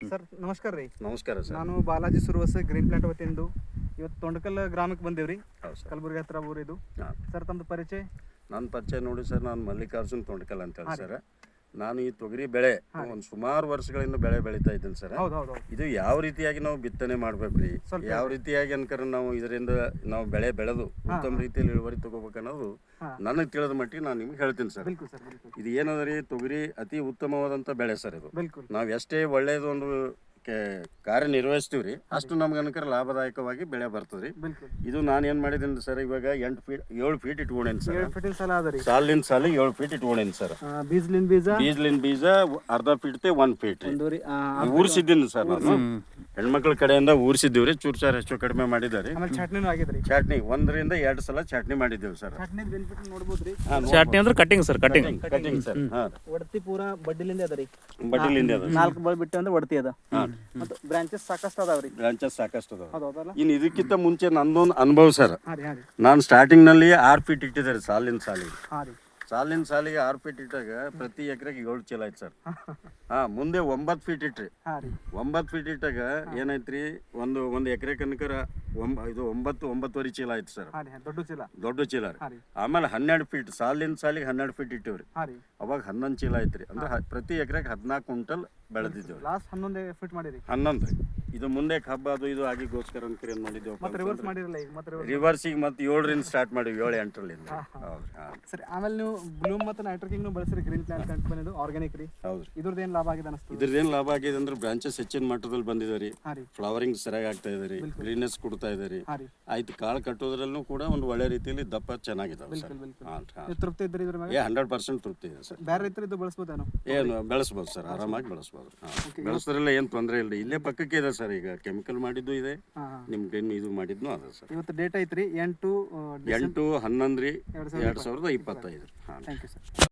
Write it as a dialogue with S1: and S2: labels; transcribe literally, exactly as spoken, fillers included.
S1: Sir ನಮಸ್ಕಾರ ರೀ.
S2: ನಮಸ್ಕಾರ ಸರ್.
S1: ನಾನು ಬಾಲಾಜಿ ಸುರವಸ ಗ್ರೀನ್ ಪ್ಲಾಂಟ್ ವತಿಯಿಂದ ಇವತ್ತು ತೊಂಡಕಲ್ ಗ್ರಾಮಕ್ಕೆ ಬಂದೇವ್ರಿ.
S2: ಹೌದು ಸರ್.
S1: ಕಲಬುರಗಿ ಹತ್ರ ಊರಿದು.
S2: ಹಾಂ
S1: ಸರ್ ತಮ್ಮದು ಪರಿಚಯ?
S2: ನನ್ನ ಪರಿಚಯ ನೋಡಿ ಸರ್, ನಾನು ಮಲ್ಲಿಕಾರ್ಜುನ್ ತೊಂಡಕಲ್ ಅಂತೇಳಿ ಸರ್. ನಾನು ಈ ತೊಗರಿ ಬೆಳೆ ಒಂದು ಸುಮಾರು ವರ್ಷಗಳಿಂದ ಬೆಳೆ ಬೆಳೀತಾ ಇದ್ದೀನಿ ಸರ್.
S1: ಹೌದು ಹೌದು.
S2: ಇದು ಯಾವ ರೀತಿಯಾಗಿ ನಾವು ಬಿತ್ತನೆ ಮಾಡ್ಬೇಕು ರೀ, ಯಾವ ರೀತಿಯಾಗಿ ಅನ್ಕರ ನಾವು ಇದರಿಂದ ನಾವು ಬೆಳೆ ಬೆಳೆದು ಉತ್ತಮ ರೀತಿಯಲ್ಲಿ ಇಳುವರಿ ತಗೋಬೇಕು ಅನ್ನೋದು ನನಗೆ ತಿಳಿದ ಮಟ್ಟಿಗೆ ನಾನು ನಿಮ್ಗೆ ಹೇಳ್ತೀನಿ ಸರ್.
S1: ಬಿಲ್ಕುಲ್ ಸರ್ ಬಿಲ್ಕುಲ್.
S2: ಇದು ಏನದ ರೀ, ತೊಗರಿ ಅತಿ ಉತ್ತಮವಾದಂಥ ಬೆಳೆ ಸರ್. ಇದು
S1: ಬಿಲ್ಕುಲ್
S2: ನಾವು ಎಷ್ಟೇ ಒಳ್ಳೆಯದು ಒಂದು ಕಾರ್ಯನಿರ್ವಹಿಸ್ತೀವಿ ರೀ, ಅಷ್ಟು ನಮ್ಗೆ ಅನ್ಕರ ಲಾಭದಾಯಕವಾಗಿ ಬೆಳೆ ಬರ್ತದೆ ರೀ.
S1: ಬಿಲ್ಕುಲ್.
S2: ಇದು ನಾನು ಏನು ಮಾಡಿದ್ದೀನಿ ಸರ್, ಇವಾಗ ಎಂಟು ಫೀಟ್ ಏಳು ಫೀಟ್ ಇಟ್ಕೊಂಡೇನಿ ಸರ್.
S1: ಏಳು ಫೀಟಿನ ಸಾಲ ಅದ ರೀ.
S2: ಸಾಲಿನ ಸಾಲಿ ಏಳು ಫೀಟ್ ಇಟ್ಕೊಂಡೇನಿ ಸರ್.
S1: ಬೀಜ್ಲಿನ ಬೀಜ
S2: ಬೀಜ್ಲಿನ ಬೀಜ ಅರ್ಧ ಫೀಟ್ ತೆ ಒಂದ್ ಫೀಟ್
S1: ಒಂದೂರಿ
S2: ಊರಿಸಿದ್ದೀನಿ ಸರ್. ನಾನು ಹೆಣ್ಮಕ್ಳ ಕಡೆಯಿಂದ ಊರಿಸಿದ್ದೀವಿ ರೀ. ಚೂರು ಚಾರ್ ಹೆಚ್ಚು ಕಡಿಮೆ ಮಾಡಿದ್ದಾರೆ.
S1: ಆಮೇಲೆ ಚಟ್ನಿನೂ ಆಗಿದ್ರಿ.
S2: ಚಟ್ನಿ ಒಂದರಿಂದ ಎರಡು ಸಲ ಚಟ್ನಿ ಮಾಡಿದ್ದೇವೆ ಸರ್.
S1: ಚಟ್ನಿ ಬೆನಿಫಿಟ್ ನೋಡ್ಬೋದ್ರಿ.
S3: ಚಟ್ನಿ ಅಂದ್ರೆ cutting sir, cutting
S2: cutting sir. ಹಾಂ
S1: ಒಡತಿ ಪೂರಾ ಬಡ್ಡಿಲಿಂದ ಅದ ರೀ.
S2: ಬಡ್ಡಿಲಿಂದ ಅದ.
S1: ನಾಲ್ಕು ಬಳ ಬಿಟ್ಟು ಅಂದ್ರೆ ಒಡತಿ ಅದ. ಮತ್ತು ಬ್ರಾಂಚಸ್ ಸಾಕಷ್ಟು ಅದಾವ್ರಿ.
S2: ಬ್ರಾಂಚಸ್ ಸಾಕಷ್ಟು ಅದಾವ.
S1: ಹೌದು ಹೌದಲ್ಲ.
S2: ಇನ್ನು ಇದಕ್ಕಿಂತ ಮುಂಚೆ ನಂದೊಂದು ಅನುಭವ ಸರ್.
S1: ಹಾಂ ರೀ ಹಾಂ ರೀ
S2: ನಾನು ಸ್ಟಾರ್ಟಿಂಗ್ನಲ್ಲಿ ಆರು ಫೀಟ್ ಇಟ್ಟಿದ್ದಾರೆ ಸಾಲಿನ ಸಾಲಿಗೆ.
S1: ಹಾಂ ರೀ
S2: ಸಾಲಿನ ಸಾಲಿಗೆ ಆರು ಫೀಟ್ ಇಟ್ಟಾಗ ಪ್ರತಿ ಎಕರೆಗೆ ಏಳು ಚೀಲ ಆಯ್ತು ಸರ್. ಹಾಂ ಮುಂದೆ ಒಂಬತ್ತು ಫೀಟ್ ಇಟ್ರಿ.
S1: ಹಾಂ ರೀ
S2: ಒಂಬತ್ತು ಫೀಟ್ ಇಟ್ಟಾಗ ಏನಾಯ್ತು ರೀ, ಒಂದು ಒಂದು ಎಕರೆ ಕನಕರ ಒಂಬ ಇದು ಒಂಬತ್ತು ಒಂಬತ್ತುವರೆ ಚೀಲ ಆಯ್ತು ಸರ್.
S1: ಹಾಂ ರೀ ದೊಡ್ಡ ಚೀಲ.
S2: ದೊಡ್ಡ ಚೀಲ ರೀ.
S1: ಹಾಂ ರೀ
S2: ಆಮೇಲೆ ಹನ್ನೆರಡು ಫೀಟ್ ಸಾಲಿನ ಸಾಲಿಗೆ ಹನ್ನೆರಡು ಫೀಟ್ ಇಟ್ಟಿವ್ರಿ.
S1: ಹಾಂ ರೀ
S2: ಅವಾಗ ಹನ್ನೊಂದು ಚೀಲ ಆಯ್ತು ರೀ. ಅಂದ್ರೆ ಹ- ಪ್ರತಿ ಎಕರೆಗೆ ಹದಿನಾಲ್ಕು ಕ್ವಿಂಟಲ್ ಬೆಳೆದಿದ್ದೇವೆ.
S1: ಲಾಸ್ಟ್ ಹನ್ನೊಂದು ಫೀಟ್ ಮಾಡಿರಿ.
S2: ಹನ್ನೊಂದು ರೀ. ಇದು ಮುಂದೆ ಹಬ್ಬ ಅದು ಇದು ಆಗಿಗೋಸ್ಕರ ಅನ್ಕರಿ ಏನು ಮಾಡಿದ್ದೇವೆ
S1: ಮತ್ತೆ ರಿವರ್ಸ್ ಮಾಡಿರಲ್ಲ ಈಗ. ಮತ್ತೆ ರಿವರ್ಸ್
S2: ರಿವರ್ಸಿಗೆ ಮತ್ತೆ ಏಳರಿಂದ ಸ್ಟಾರ್ಟ್ ಮಾಡಿವಿ, ಏಳು ಎಂಟರಲ್ಲಿಂದ. ಹೌದು ಹಾಂ
S1: ಸರಿ. ಆಮೇಲೆ ನೀವು ಬ್ಲೂಮ್ ಮತ್ತು ನೈಟ್ರೋಕಿಂಗ್ನು ಬಳಸಿರಿ. ಗ್ರೀನ್ ಪ್ಲಾಂಟ್ ಕಂಪನಿದು ಆರ್ಗ್ಯಾನಿಕ್ ರೀ.
S2: ಹೌದು ರೀ.
S1: ಇದ್ರದ್ದು ಏನು ಲಾಭ ಆಗಿದೆ ಅನಿಸ್ತದೆ?
S2: ಇದ್ರದ್ದೇನು ಲಾಭ ಆಗಿದೆ ಅಂದ್ರೆ ಬ್ರಾಂಚಸ್ ಹೆಚ್ಚಿನ ಮಟ್ಟದಲ್ಲಿ ಬಂದಿದೆ ರೀ.
S1: ಹಾಂ ರೀ
S2: ಫ್ಲವರಿಂಗ್ ಸರಿಯಾಗಿ ಆಗ್ತಾ ಇದೆ ರೀ, ಗ್ರೀನೆಸ್ ಕೊಡ್ತಾ ಇದೆ ರೀ.
S1: ಹಾಂ ರೀ
S2: ಆಯ್ತು, ಕಾಳು ಕಟ್ಟೋದ್ರಲ್ಲೂ ಕೂಡ ಒಂದು ಒಳ್ಳೆ ರೀತಿಯಲ್ಲಿ ದಪ್ಪ ಚೆನ್ನಾಗಿದ್ದಾವೆ ಸರ್.
S1: ಬಿಲ್ಕುಲ್ ಬಿಲ್ಕುಲ್.
S2: ಹಾಂ ಹಾಂ
S1: ನೀವು ತೃಪ್ತಿ ಇದ್ರಿ ಇದ್ರ ಮೇಲೆ?
S2: ಏ ಹಂಡ್ರೆಡ್ ಪರ್ಸೆಂಟ್ ತೃಪ್ತಿ ಇದೆ ಸರ್.
S1: ಬೇರೆ ರೈತರು ಇದು ಬಳಸ್ಬೋದೇನೋ?
S2: ಏನು ಬೆಳೆಸ್ಬೋದು ಸರ್, ಆರಾಮಾಗಿ ಬೆಳೆಸ್ಬೋದು. ಹಾಂ ಬೆಳೆಸೋದ್ರೆಲ್ಲ ಏನು ತೊಂದರೆ ಇಲ್ಲ. ಇಲ್ಲೇ ಪಕ್ಕಕ್ಕೆ ಇದೆ ಸರ್. ಈಗ ಕೆಮಿಕಲ್ ಮಾಡಿದ್ದು ಇದೆ,
S1: ಹಾಂ ಹಾಂ.
S2: ನಿಮ್ಗೆ ಇನ್ನು ಇದು ಮಾಡಿದ್ನು ಅದ ಸರ್.
S1: ಇವತ್ತು ಡೇಟ್ ಐತ್ರಿ ಎಂಟು
S2: ಎಂಟು ಹನ್ನೊಂದು ರೀ ಎರಡು ಸಾವಿರದ ಇಪ್ಪತ್ತೈದು. ಹಾಂ
S1: ಥ್ಯಾಂಕ್ ಯು ಸರ್.